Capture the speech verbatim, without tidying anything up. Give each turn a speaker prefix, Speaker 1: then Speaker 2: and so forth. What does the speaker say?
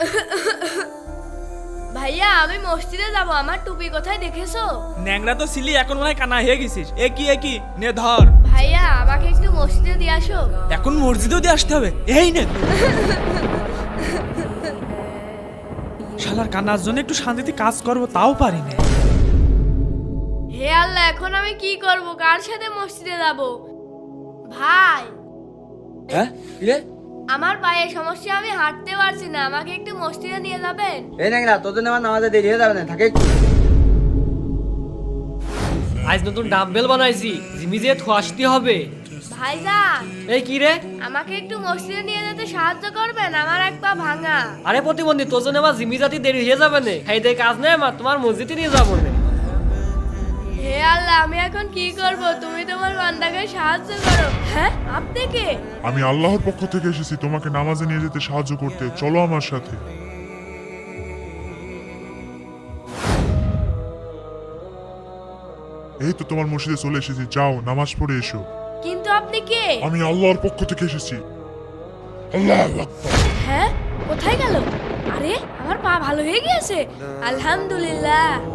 Speaker 1: ভাইয়া আমি মসজিদে যাব, আমার টুপি কোথায় দেখেছো?
Speaker 2: ন্যাংরা তো ছিলি, এখন মনে হয় কানা হয়ে গেছিস। এ কি এ কি নে ধর।
Speaker 1: ভাইয়া আমাকে একটু মসজিদে দিয়ে আসো।
Speaker 2: এখন মসজিদেও দিয়ে আসতে হবে? এই নে। শালার কানার জন্য একটু শান্তিতে কাজ করবো তাও পারি না।
Speaker 1: হে আল্লাহ, এখন আমি কি করব? কার সাথে মসজিদে যাব? ভাই
Speaker 3: হ্যাঁ কি রে?
Speaker 1: আমার পায়ে সমস্যা, আমি হাঁটতে পারছি না, আমাকে একটু মসজিদে নিয়ে যাবেন?
Speaker 3: এই ন্যাংরা তোর জন্য আমার নামাজে দেরি হয়ে যাবে না, থাকে একটু।
Speaker 4: আজ নতুন ডাম্বেল বানাইছি, জিমি যে আসতে হবে।
Speaker 1: ভাইজান
Speaker 4: এই কি রে?
Speaker 1: আমাকে একটু মসজিদে নিয়ে যেতে সাহায্য করবেন, আমার এক পা ভাঙা।
Speaker 4: আরে প্রতিবন্ধী, তোর জন্য আমার জিমি জাতি দেরি হয়ে যাবে না, খাইতে কাজ নেই, আমার তোমার মসজিদে নিয়ে যাবো না।
Speaker 1: হে আল্লাহ, আমি এখন কি করব? তুমি তোমার বান্দাকে সাহায্য করো। হ্যাঁ, আপনি কে?
Speaker 5: আমি আল্লাহর পক্ষ থেকে এসেছি তোমাকে নামাজে নিয়ে যেতে সাহায্য করতে, চলো আমার সাথে। এই তো তোমার মসজিদে চলে এসেছি, যাও নামাজ পড়ে এসো।
Speaker 1: কিন্তু আপনি কে?
Speaker 5: আমি আল্লাহর পক্ষ থেকে এসেছি। আল্লাহু আকবার।
Speaker 1: হ্যাঁ, কোথায় গেল? আরে আমার পা ভালো হয়ে গিয়েছে, আলহামদুলিল্লাহ।